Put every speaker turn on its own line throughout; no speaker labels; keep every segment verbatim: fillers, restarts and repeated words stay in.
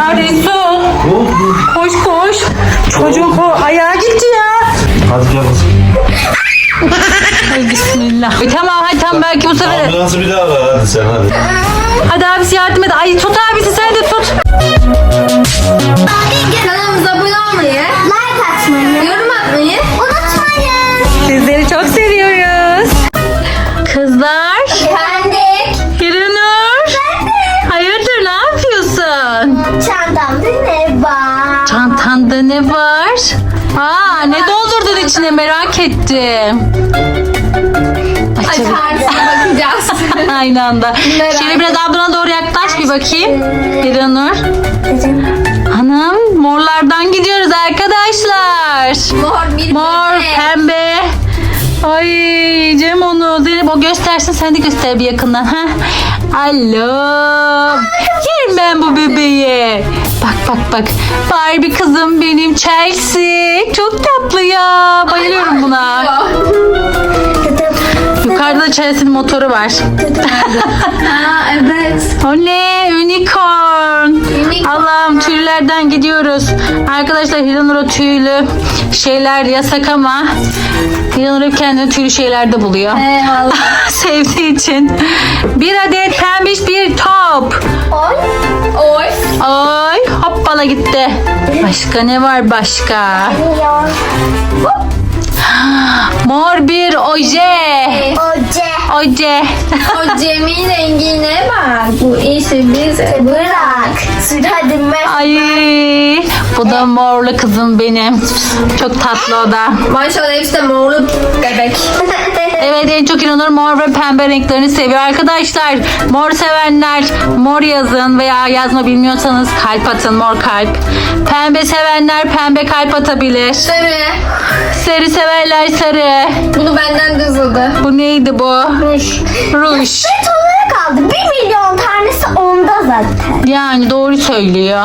ya Resul. Koş koş. Çocuğun ko ayağı gitti ya.
Hadi gel kızım.
Ay bismillah. E, tamam hadi tamam belki bu sefer.
Ambulansı bir daha ara hadi sen hadi.
Hadi abisi yardım et. Ay tut abisi sen de tut.
Kanalımıza abone olmayı, like atmayı, yorum atmayı unutmayın.
Sizleri çok seviyoruz. Kızlar.
Efendim?
Hiranur. Hayırdır ne yapıyorsun?
Çantamda ne var?
Çantanda ne var? Aa ne doldurdun içine merak ettim. Açalım.
Açarsın bakacağız.
Aynı anda.
Merak
Şöyle biraz ablana doğru yaklaş bir bakayım. Hiranur. Hanım morlardan gidiyoruz arkadaşlar.
Mor bir
Mor,
bebek.
pembe. Ay Cem onu. Zeynep o göstersin sen de göster bir yakından. Ha? Alo. Yerim ben bu bebeği. Bak bak bak. Barbie kızım benim Chelsea. Çok tatlı ya. Bayılıyorum buna. Yukarıda da Chelsea'nin motoru var.
Aa evet.
Oley unicorn.
Unicorn.
Allah'ım tüylerden gidiyoruz. Arkadaşlar Hiranur'a tüylü şeyler yasak ama Hiranur hep kendini tüylü şeylerde buluyor.
Eyvallah.
Sevdiği için. Bir adet pembiş bir top.
Oy. Oy.
Ay hoppala gitti. Başka ne var başka? Mor bir oje.
Oce.
Oje.
O Cem'in rengine bak. Bu işi bize bırak. Hadi mer.
Ay bu da morlu kızım benim. Çok tatlı o da.
Maşallah hepsi de morlu bebek.
Evet en çok İnanır mor ve pembe renklerini seviyor. Arkadaşlar mor sevenler mor yazın veya yazma bilmiyorsanız kalp atın mor kalp. Pembe sevenler pembe kalp atabilir.
Sarı.
Sarı severler sarı.
Bunu benden de uzadı.
Bu neydi bu?
Ruj.
Ruj.
Tek olarak aldı. Bir milyon tanesi onda zaten.
Yani doğru söylüyor.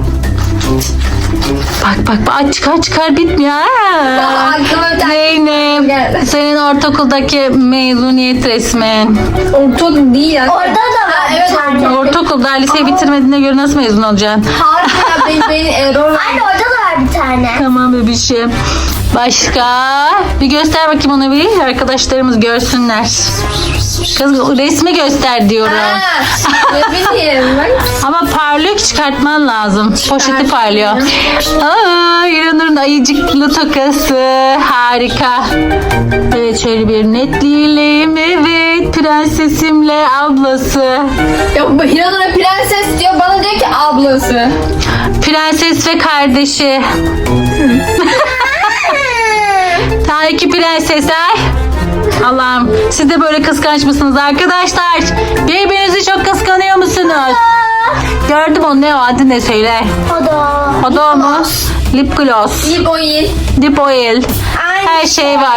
Bak bak bak aç çıkar çıkar bitmiyor.
Vallahi
Ha.
aklıma bir tane
Zeynep
geldi.
senin ortaokuldaki mezuniyet resmin.
Ortak değil ya. Orada da var evet, bir tane.
Ortaokulda liseyi bitirmediğine göre nasıl mezun olacaksın?
Harika benim, benim error. Anne orada da var bir tane.
Tamam bebişim. Başka? Bir göster bakayım onu bir. Arkadaşlarımız görsünler. Kız resmi göster diyorum.
Ha, ne bileyim ben.
Ama parlıyor ki çıkartman lazım. Poşeti parlıyor. Aa, İranur'un ayıcıklı tokası. Harika. Evet şöyle bir netleyelim. Evet prensesimle ablası.
Ya bu Hiranur'a prenses diyor bana diyor ki ablası.
Prenses ve kardeşi. Daha iki prensesler. Allah'ım siz de böyle kıskanç mısınız arkadaşlar? Birbirinizi çok kıskanıyor musunuz? Gördüm onu ne o adı ne söyle.
O da.
O da o mu? Lip gloss,
İyi boyu.
dip oil. Her şey var.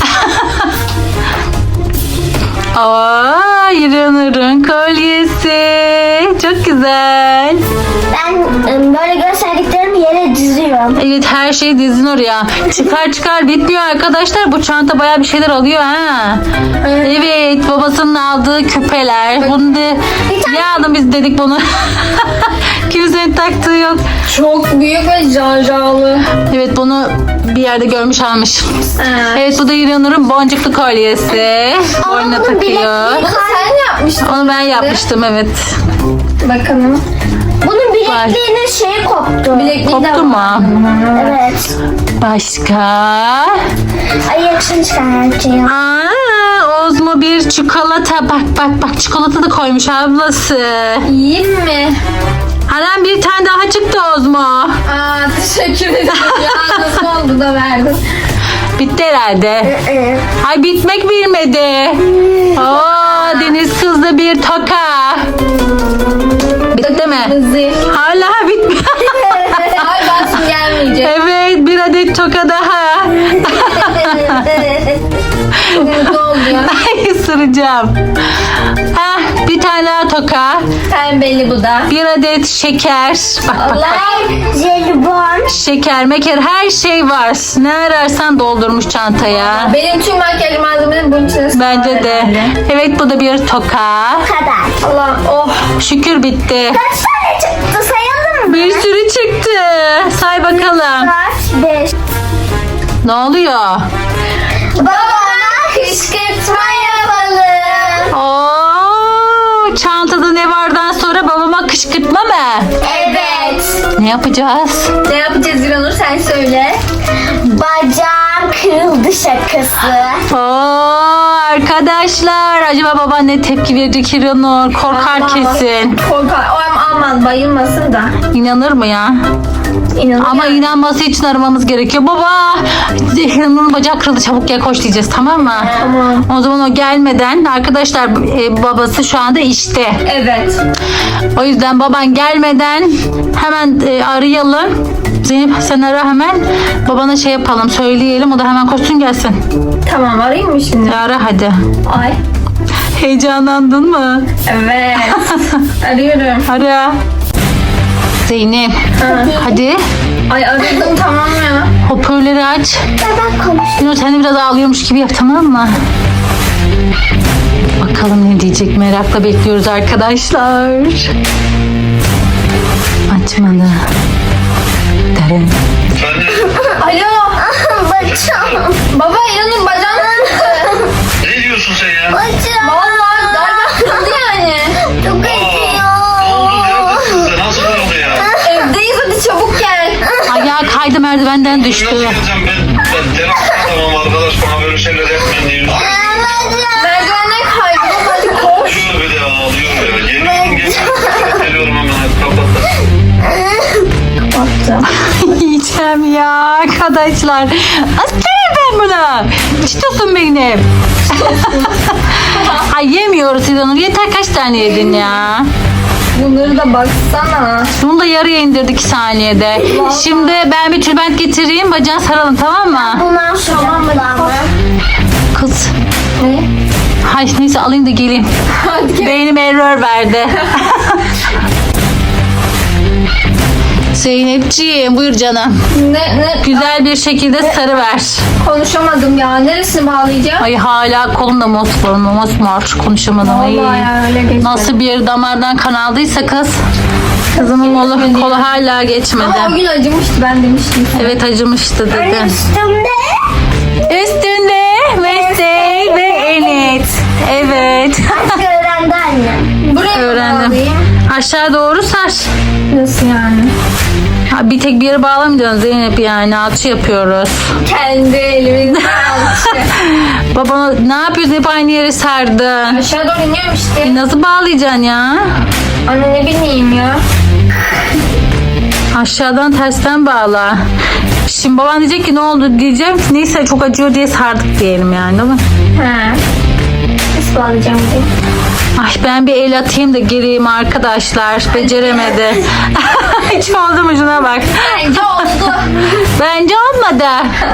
Aa, İranur'un kolyesi. Çok güzel.
Ben ım, böyle gösterdiklerimi yere diziyorum.
Evet her şey dizin oraya. Çıkar çıkar bitmiyor arkadaşlar. Bu çanta bayağı bir şeyler alıyor ha. Evet babasının aldığı küpeler. Bunu da ne aldın biz dedik bunu. Kimsenin taktığı yok.
Çok büyük ve janjanlı.
Evet bunu bir yerde görmüş almış. Evet bu da İranur'un boncuklu kolyesi. Boynuna takıyor.
Bunu sen yapmıştın.
Onu ben yapmıştım evet.
Bakalım. Bunun bilekliğinin şeyi koptu. Bilekliği
Koptu mu?
Evet.
Başka?
Ay yakışını çıkartıyor.
Aa, Ozmo bir çikolata. Bak bak bak çikolata da koymuş ablası.
Yiyeyim mi?
Anam bir tane daha çıktı Ozmo.
Aa teşekkür ederim. Ya nasıl oldu da verdin.
Bitti herhalde. Ay bitmek bilmedi. Oo, deniz kızlı bir toka. Bitti mi?
Hızlı.
Hala bitmiyor.
Ay basın gelmeyecek.
Evet bir adet toka daha.
Çok mutlu oluyor.
Ay ısıracağım. Heh, bir tane daha toka.
Pembeli bu da.
Bir adet şeker. Bak bak bak.
Allah. Jelibon.
Şeker, meker her şey var. Ne ararsan doldurmuş çantaya.
Benim tüm makyaj malzemelerim bunun içine sığar
Bence de.
herhalde.
Evet bu da bir toka.
Kadar. Allah oh.
Şükür bitti.
Kaç tane çıktı sayalım mı?
Bir Ne oluyor?
Babama kışkırtma yapalım.
Oo, çantada ne vardan sonra babama kışkırtma mı?
Evet.
Ne yapacağız?
Ne yapacağız İranur sen söyle. Bacağım kırıldı şakası.
Oo, arkadaşlar acaba baba ne tepki verecek İranur? Korkar kesin.
Korkar. Aman, aman bayılmasın da.
İnanır mı ya?
İnanır
Ama
yani.
inanması için aramamız gerekiyor. Baba İranur'un bacağı kırıldı, çabuk gel koş diyeceğiz, tamam mı?
Tamam.
O zaman o gelmeden arkadaşlar e, babası şu anda işte.
Evet.
O yüzden baban gelmeden hemen e, arayalım. Zeynep sen ara hemen. Babana şey yapalım, söyleyelim, o da hemen koşsun gelsin.
Tamam arayayım mı şimdi?
E, ara hadi.
Ay.
Heyecanlandın mı?
Evet. Arıyorum.
Ara. Zeynep. Hadi.
Ay aradım tamam ya.
Hoparlörü aç.
Ben konuş.
Yunus sen de biraz ağlıyormuş gibi yap, tamam mı? Bakalım ne diyecek, merakla bekliyoruz arkadaşlar. Açmadı. Derin.
Alo. Bacağım. Baba İranur bacağım kırıldı.
Ne diyorsun sen ya?
Bacağım. Valla galiba kırıldı yani. Çok
Ne oldu? Neredesin sen? Nasıl oldu ya?
Evdeyiz hadi çabuk gel.
Ayağı kaydı, merdivenden düştü.
Nasıl geleceğim ben? Ben terapist adamım arkadaş, bana böyle şeyler yapmayın diye.
Merdivenden kaydı. Hadi koş.
Ağlıyor bir de ağlıyor ya. Geliyorum geliyorum. Geliyorum hemen, hadi kapat.
Baktım.
Yiyeceğim ya arkadaşlar. Aslanım ben bunu. Çitosun benim. Ay yemiyoruz İranur. Yeter, kaç tane yedin ya?
Bunları da baksana.
Bunu da yarıya indirdik iki saniyede. Şimdi ben bir tülbent getireyim, bacağını saralım, tamam mı?
Bunlar tamam mı?
Kız.
Ne?
Hay neyse alayım da geleyim.
Hadi gel.
Beynim error verdi. Zeynepciğim buyur canım.
Ne, ne?
Güzel bir şekilde sarı ver.
Konuşamadım ya. Neresini bağlayacağım?
Ay hala kolumda mosmor mosmor konuşamadım. Ay.
Vallahi ya öyle geçti.
Nasıl bir yeri damardan kan aldıysa kız. Kızımın kolu, kolu hala geçmedi.
Ama o gün acımıştı ben demiştim.
Evet acımıştı dedi.
Üstümde.
Üstünde Mesey ve Enet. Evet.
Öğrendi anne. Buraya mı
Öğrendim.
bağlayayım?
Aşağı doğru sar.
Nasıl yani?
Ha, bir tek bir yere bağlamayacaksın Zeynep, yani alçı yapıyoruz.
Kendi elimin alçı.
Baba ne yapıyorsun, hep aynı yere sardın.
Aşağı doğru iniyorum işte.
Nasıl bağlayacaksın ya?
Anne ne bileyim ya.
Aşağıdan tersten bağla. Şimdi baban diyecek ki ne oldu diyeceğim. Neyse çok acıyor diye sardık diyelim yani, değil mi?
He. Nasıl bağlayacağım diye.
Ay ben bir el atayım da gireyim arkadaşlar. Beceremedi. Hiç oldu mu, şuna bak.
Bence oldu.
Bence olmadı.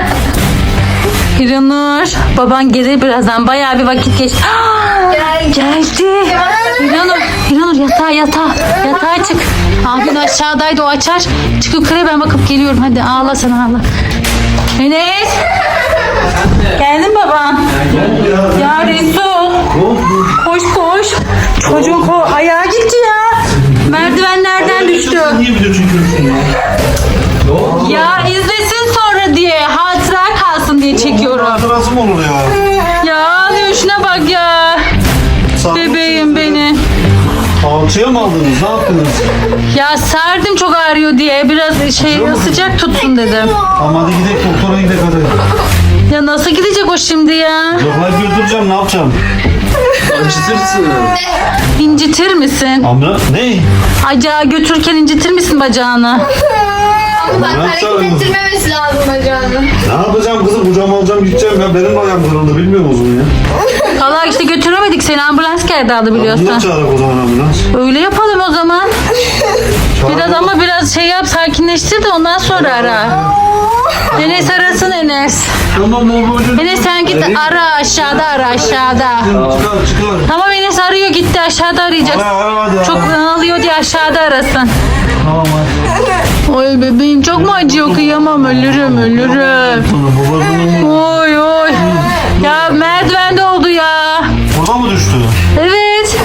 Hiranur baban gelir birazdan, bayağı bir vakit geçti.
Gel.
Geldi. Hiranur, Hiranur yatağa yatağa. Yatağa çık. Abin aşağıdaydı, o açar. Çık yukarı, ben bakıp geliyorum. Hadi ağla sen, ağla. Enes. Geldin babam. Ya Resul. Koş koş. Çocuğun ko ayağı gitti ya. Merdivenlerden düştü.
Niye video çekiyorsun ya?
Ya izlesin sonra diye, hatıra kalsın diye çekiyorum.
Hatırası mı olur ya?
Ya diyor, şuna bak ya. Bebeğim benim.
Alçıya mı aldınız? Ne yaptınız?
Ya sardım çok ağrıyor diye, biraz şey sıcak tutsun dedim.
Ama hadi gidelim doktora gidelim hadi.
Ya nasıl gidecek o şimdi ya?
Yok ben götüreceğim, ne yapacağım? Acıtırsın.
İncitir misin?
Ama ne?
Acağı götürürken incitir misin bacağını?
Ama bak
Ne
hareket
yapacağım?
ettirmemesi lazım bacağını.
Ne yapacağım kızım? Kucağıma alacağım gideceğim ya. Benim de ayağım kırıldı, bilmiyor musun ya?
Valla işte götüremedik seni, ambulans geldi aldı
Bundan
biliyorsun.
çağırak o zaman ambulans.
Öyle yapalım o zaman.
Çağırak
Biraz
o-
ama biraz şey yap, sakinleştir de ondan sonra ara. Enes arasın Enes.
Tamam babacığım.
Enes sen git ara, aşağıda ara, aşağıda.
Çıkar çıkar.
Tamam Enes arıyor, gitti aşağıda arayacak.
Ara ara hadi.
Çok ağlıyor diye aşağıda arasın.
Tamam hadi.
Oy bebeğim çok mu acıyor, kıyamam, ölürüm ölürüm.
Sana babacığım.
Oy oy. Ya merdivende oldu ya.
Orada mı düştü?
Evet.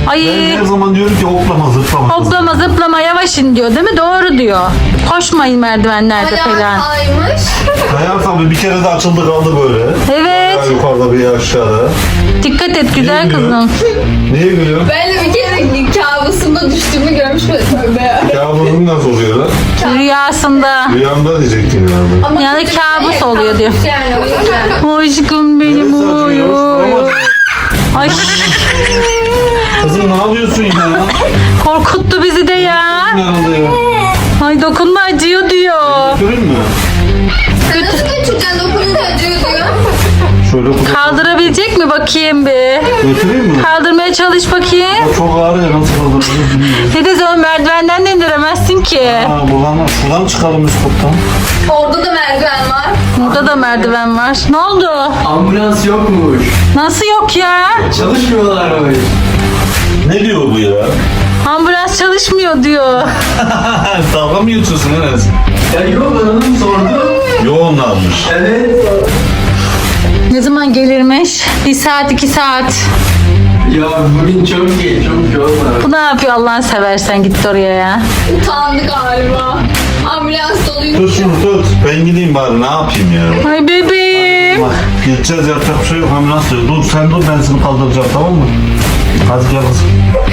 Ay.
Ben her zaman diyorum ki hoplama zıplama.
Hoplama zıplama yavaş in diyor değil mi? Doğru diyor. Koşmayın merdivenlerde
Ayağı
falan.
kaymış.
Hayal tabii bir kere de açıldı kaldı böyle.
Evet.
Ya yukarıda bir aşağıda.
Dikkat et güzel
Niye
kızım.
Niye gülüyorsun?
Ben de bir kere kabusumda düştüğümü görmüş müydüm?
Kabusum nasıl oluyor lan?
Rüyasında.
Rüyamda diyecektim yani.
Ama
Yani
küçük
kabus
değil,
oluyor diyor.
kabus Yani o yüzden.
Aşkım benim
Evet,
oy
saçma,
oy.
yavaş,
oy. Ay
Kızım ne yapıyorsun ya?
korkuttu bizi de ya.
Nerede ya?
Ay dokunma acıyor diyor.
Götürün mü?
Sen nasıl götüreceksin dokununca acıyor diyor.
Şöyle kucak.
Kaldırabilecek mi bakayım bir?
Götüreyim mi?
Kaldırmaya çalış bakayım.
O çok ağır ya nasıl kaldırırız bilmiyorum.
Dede sen merdivenden de indiremezsin ki.
Ha buradan, şuradan çıkalım üst kattan.
Orada da merdiven var.
Burada da merdiven var. Ne oldu?
Ambulans yokmuş.
Nasıl yok ya?
Çalışmıyorlarmış.
Ne diyor bu ya?
Ambulans çalışmıyor diyor.
Dalga mı geçiyorsun Enes?
Ya yok hanım sordu.
Yoğunlarmış.
Evet.
Ne zaman gelirmiş? Bir saat iki saat.
Ya bugün çok geç, çok yoğun.
Bu ne yapıyor Allah'ını seversen gitti oraya ya.
Utandı galiba. Ambulans doluymuş.
Tut şunu tut. Ben gideyim bari ne yapayım ya?
Ay bebeğim.
Bak gideceğiz yapacak bir şey yok. Ambulans diyor. Dur sen dur ben seni kaldıracağım tamam mı? Hadi gel kızım.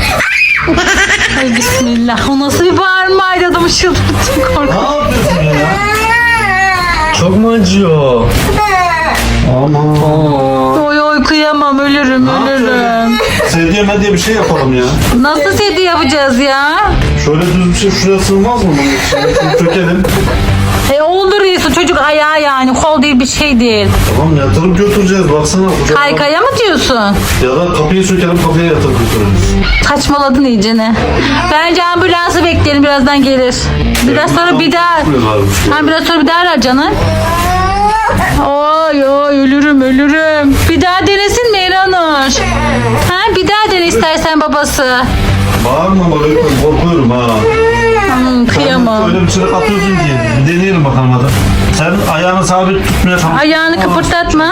Ay bismillah. O nasıl bir bağırmaydı adamı çıldırttım
Ne
korkuyorum.
yapıyorsun ya?
Çok mu acıyor?
Aman.
Oy oy kıyamam ölürüm ölürüm.
Sedye medye bir şey yapalım ya.
Nasıl sedye yapacağız ya?
Şöyle düz bir şey şuraya sığmaz mı bunun içine? Şunu çökelim.
E olur Resul çocuk ayağı yani kol değil bir şey değil.
Tamam yatırıp götüreceğiz baksana. kucağına.
Kaykaya mı diyorsun?
Ya da kapıyı sökelim kapıya yatırıp götürürüz.
Saçmaladın iyicene. Bence ambulansı bekleyelim birazdan gelir. Biraz sonra bir daha... Ha, biraz sonra bir daha arar canım. Oy oy ölürüm ölürüm. Bir daha denesin mi Eranur? Ha bir daha dene istersen babası.
Bağırma bak öyle korkuyorum ha.
Hmm, kıyamam.
Öyle bir çırık atıyorsun ki. Bir deneyelim bakalım hadi. Sen ayağını sabit tutmaya çalış.
Ayağını kıpırdatma.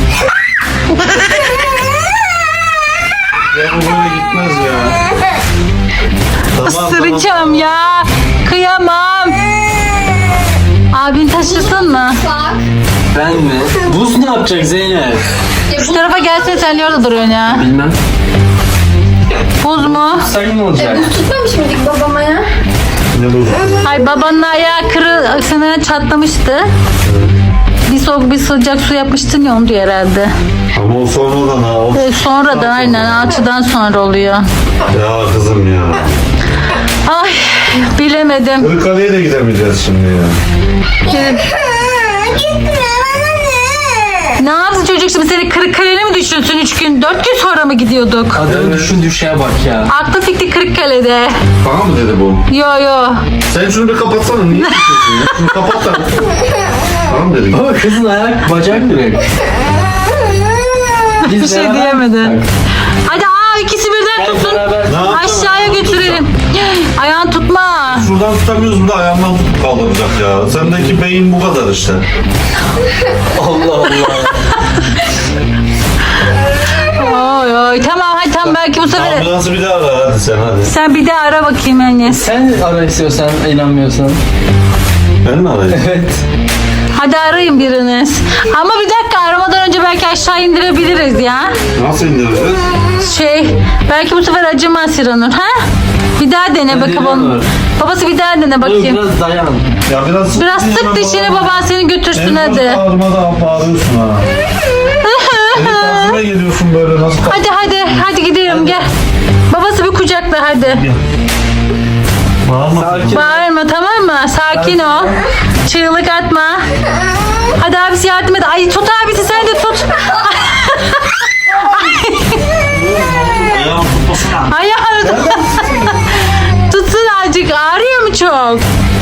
Ya bu böyle gitmez ya. Tamam, tamam.
Isıracağım ya. Kıyamam. Abin taşısın mı?
Bak.
Ben mi? Buz ne yapacak Zeynep?
Ya
Şu
bu
tarafa gelsene sen niye orada duruyorsun ya?
Bilmem.
Buz mu?
Sayın mı olacak?
buz tutmamış mıydık babama ya?
Ne bu?
Ay babanın ayağı kırı sınırına çatlamıştı. Bir soğuk bir sıcak su yapmıştın ya onu diyor herhalde.
Ama o sonradan ha. O...
Ee, sonradan aynen alçıdan sonra oluyor.
Ya kızım ya.
Ay bilemedim.
Kırıkkale'ye de gidemeyeceğiz şimdi ya.
Ne yaptı çocuk şimdi seni Kırıkkale'ne mi düşünsün üç gün dört gün sonra mı gidiyorduk?
Adamın düşün düşeye bak ya.
Aklı fikri Kırıkkale'de.
Bana mı dedi bu?
Yo yo.
Sen şunu bir kapatsana. Niye tutuyorsun ya? Şunu kapat da. Bana mı dedi?
Baba kızın ayak bacak direkt. Biz
Bir şey
beraber
diyemedi.
tutsak.
Hadi aa ikisi birden
Gel
tutsun.
beraber.
Ne yapalım?
Aşağıya götürelim. Ayağını tutma.
Şuradan tutamıyoruz bu da ayağımdan tutup kaldıracak ya. Sendeki beyin bu kadar işte.
Allah Allah.
Oy oy tamam hadi tamam belki bu sefer.
Ambulansı bir daha ara hadi sen hadi.
Sen bir de ara bakayım Enes.
Sen ara istiyorsan inanmıyorsan.
Ben mi arayayım?
Evet.
Hadi arayın biriniz. Ama bir dakika aramadan önce belki aşağı indirebiliriz ya.
Nasıl indireceğiz?
Şey belki bu sefer acımaz İranur ha? Bir daha dene
Hadi
bakalım. onu.
İranur.
Babası bir daha dene
Dur
bakayım.
biraz dayan.
Ya biraz sık
Biraz sık dişini baban seni götürsün hadi.
En bağırma da bağırıyorsun ha. Senin tarzına geliyorsun böyle nasıl kalk-
Hadi hadi hadi gidelim gel. Babası bir kucakla hadi.
Gel. Bağırma.
Sakin.
Bağırma tamam mı? Sakin ol. Çığlık atma. Hadi abisi yardım et. Ay tut abisi sen de tut.
Ayağım tutmasana.
Ayağını tut. Tutsun azıcık. Ağrıyor mu çok?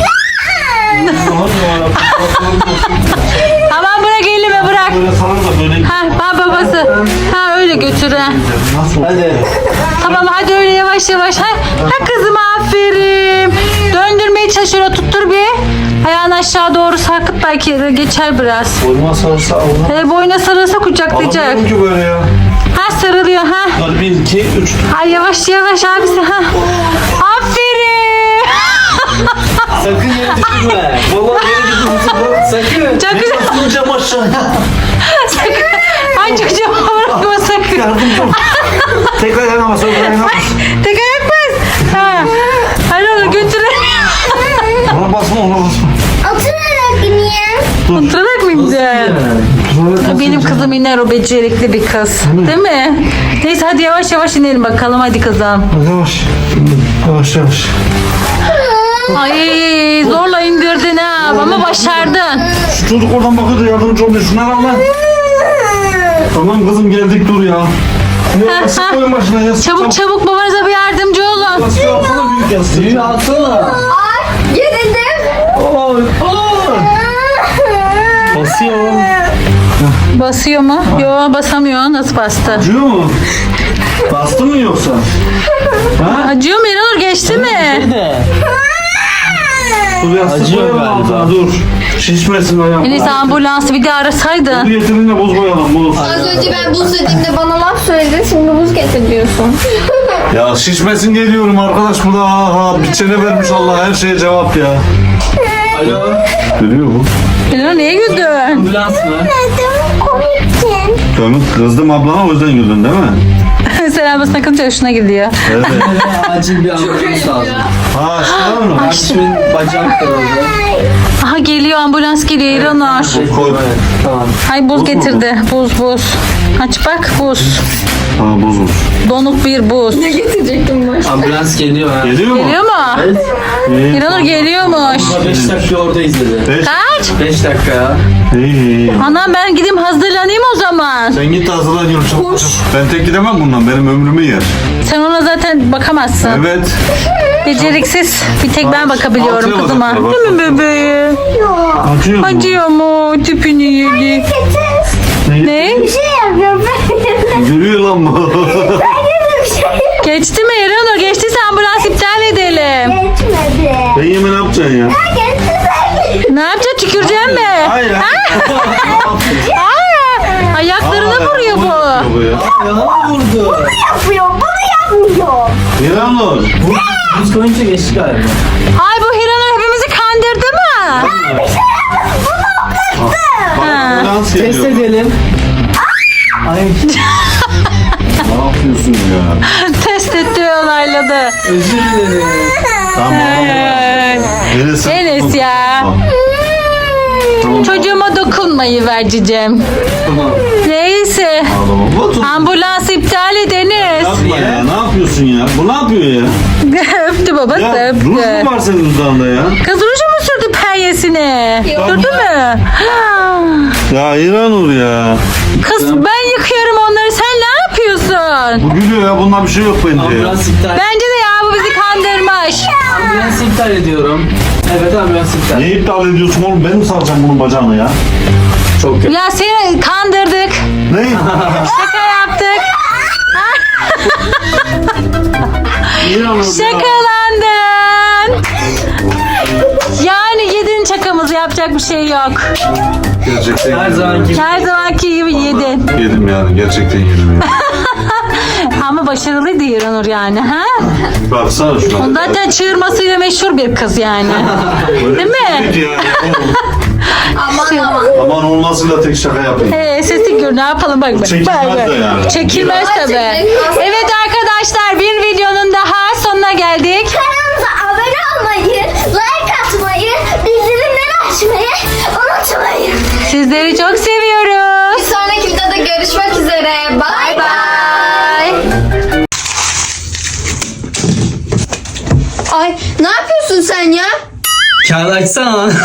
Tamam bırak elime bırak.
Böyle sana da böyle
Ha, ha babası. Ha öyle götür ha.
nasıl?
Hadi.
Tamam hadi öyle yavaş yavaş. Ha, ha kızım aferin. Döndürmeye çalışıyor. Tuttur bir. Ayağını aşağı doğru sarkıt belki geçer biraz.
Boynuma sarılsa Allah.
E, boyuna sarılsa kucaklayacak.
Alamıyorum ki böyle ya.
Ha sarıl oluyor ha.
Hadi bir, iki, üç.
Ay yavaş yavaş abisi ha. Aferin.
Sakın yere düşürme. Vallahi yere düşürme. Sakın.
Çok güzel.
Atlayacağım aşağıya.
Sakın. Ay çocuğum bırakma sakın.
Yardımcı ol. Tekrar ayağına bas. Tekrar ayağına bas.
Tek ayak bas. Ha. Hadi onu götürelim.
Ona basma ona basma.
Oturarak niye?
Oturarak mı gideceksin? Benim kızım iner, o becerikli bir kız. Değil mi? Neyse hadi yavaş yavaş inelim bakalım, hadi kızım.
Yavaş. Yavaş yavaş.
Ay zorla indirdin ha ama başardın.
Şu çocuk oradan bakıyor da yardımcı olmuyor. Şuna bak lan. Tamam kızım geldik dur ya. Ya
ha.
sık koyun başına ya.
Çabuk çabuk babanıza bir yardımcı olun.
Yastığı alsana büyük yastığı.
Büyüğü atsana.
Ay gerildim.
Oy. Oy. Basıyor.
Basıyor mu? Yo basamıyor. Nasıl bastı?
Acıyor mu? Bastı mı yoksa? Ha?
Acıyor mu İranur, geçti mi?
De.
Dur yastık
Acıyor
koyalım
galiba.
altına dur. Şişmesin ayağım.
En iyisi ambulansı bir de
Dur
arasaydın.
getirin de buz koyalım buz.
Az önce ben buz dediğimde bana laf söyledin, şimdi buz getir diyorsun.
Ya şişmesin geliyorum arkadaş, bu da ha ha bir çene vermiş Allah, her şeye cevap ya.
Alo.
Görüyor bu.
İranur niye güldün?
Ambulans mı?
Komiktin.
Dönüp kızdım ablana, o yüzden güldün değil mi?
Sen ablasına kılınca hoşuna gidiyor.
Evet.
Acil bir ambulans lazım.
Ha açtın mı?
Kardeşimin bacağı kırıldı.
Aha geliyor, ambulans geliyor İranur.
Koy.
Evet, tamam.
Ay buz
mu
getirdi. Buz buz. Aç bak, buz.
Ha bozulmuş.
Donuk bir buz.
Ne getirecektim baş?
Ambulans geliyor ha.
Geliyor mu?
Geliyor mu?
Evet.
İyi.
İranur geliyormuş.
beş dakika orada izledi.
Beş.
Kaç?
beş dakika ya.
İyi iyi.
Anam ben gideyim hazırlanayım o zaman.
Sen git hazırlan yürü çabuk. Ben tek gidemem bundan, benim ömrümü yer.
Sen ona zaten bakamazsın.
Evet.
Beceriksiz. Bir tek ben bakabiliyorum
Altına
kızıma.
bakıyor, bak,
Değil mi
bak.
bebeğim?
Acıyor mu?
Acıyor mu? Tüpünü yedi. Ne?
Bir şey yapıyorum ben.
Gülüyor lan bu.
Geçti mi İranur? Geçtiyse ambulans iptal edelim.
Geçmedi.
Ben yemin ne yapacaksın ya?
Ne yapacaksın? Tüküreceksin mi?
Hayır.
Aa, ayaklarına vuruyor bu.
Bu ya.
Yana vurdu.
Yapıyor, bunu yapmıyor.
İranur.
Buz koyunca geçti galiba.
Ay bu Hiranur hepimizi kandırdı mı?
Bak ambulans
Test
geliyor.
edelim. Ay.
Ne yapıyorsun ya?
Test etti ve onayladı.
Özür dilerim.
Tamam.
Ay.
Enes.
Enes ya.
Tamam.
Çocuğuma dokunmayı vereceğim.
Tamam.
Neyse.
Ağlama. Bu tut.
Ambulans iptal ediniz.
Yapma ya. Ne yapıyorsun ya? Bu ne yapıyor ya?
Öptü babası,
Ya ruj mu
öptü.
var senin dudağında ya?
Kız ruju mu sürdü penyesine? Sürdü mü?
Ya İranur ya.
Kız ben yıkıyorum onları, sen ne yapıyorsun?
Bu gülüyor ya. Bunda bir şey yok bence ya.
Ambulans iptal.
Bence de ya, bu bizi kandırmış.
Ambulans iptal ediyorum. Evet ambulans iptal.
Niye iptal ediyorsun oğlum? Ben mi saracağım bunun bacağını ya?
Çok kötü.
Ya seni kandırdık.
Ne?
Şaka yaptık.
İranur ya.
Şakalandın. Yani yedin şakamızı, yapacak bir şey yok.
Gerçekten
Her
yedim
zamanki gibi.
Her zamanki gibi yedin.
ya. Yedim yani. Gerçekten yedim ya.
Ama başarılıydı İranur yani. Ha?
Baksana şu an.
Zaten çığırmasıyla meşhur bir kız yani. Değil mi?
Evet ya.
Aman aman.
Aman olmasıyla tek şaka yapayım.
Ee, sesi gör, ne yapalım bak. bak.
Çekilmez
Bak, bak.
de yani.
Çekilmez tabii.
Çekilmez.
Evet arkadaşlar, bir videonun daha sonuna geldik.
Kanalımıza abone olmayı, like atmayı, bildirimleri açmayı unutmayın.
Sizleri çok seviyoruz.
Bir sonraki videoda görüşmek üzere. Bay bay. Ay ne yapıyorsun sen ya?
Kağıt açsana lan.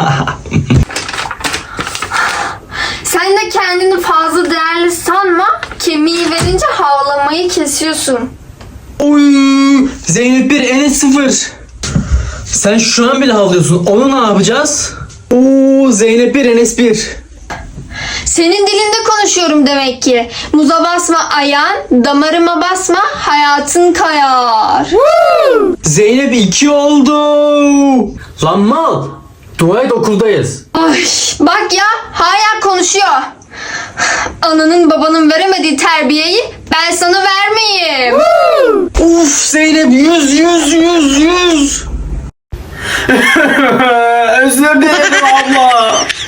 Sen de kendini fazla değerli sanma. Kemiği verince havlamayı kesiyorsun.
Oy! Zeynep bir, Enes sıfır. Sen şu an bile havlıyorsun. Onu ne yapacağız? Oo, Zeynep bir, Enes bir.
Senin dilinde konuşuyorum demek ki. Muza basma ayağın, damarıma basma hayatın kayar.
Zeynep iki oldu. Lan mal. Dua et okuldayız.
Ay, bak ya hala konuşuyor. Ananın babanın veremediği terbiyeyi Ben sana vermeyeyim.
Uf Zeynep yüz yüz yüz yüz. Özür dilerim abla.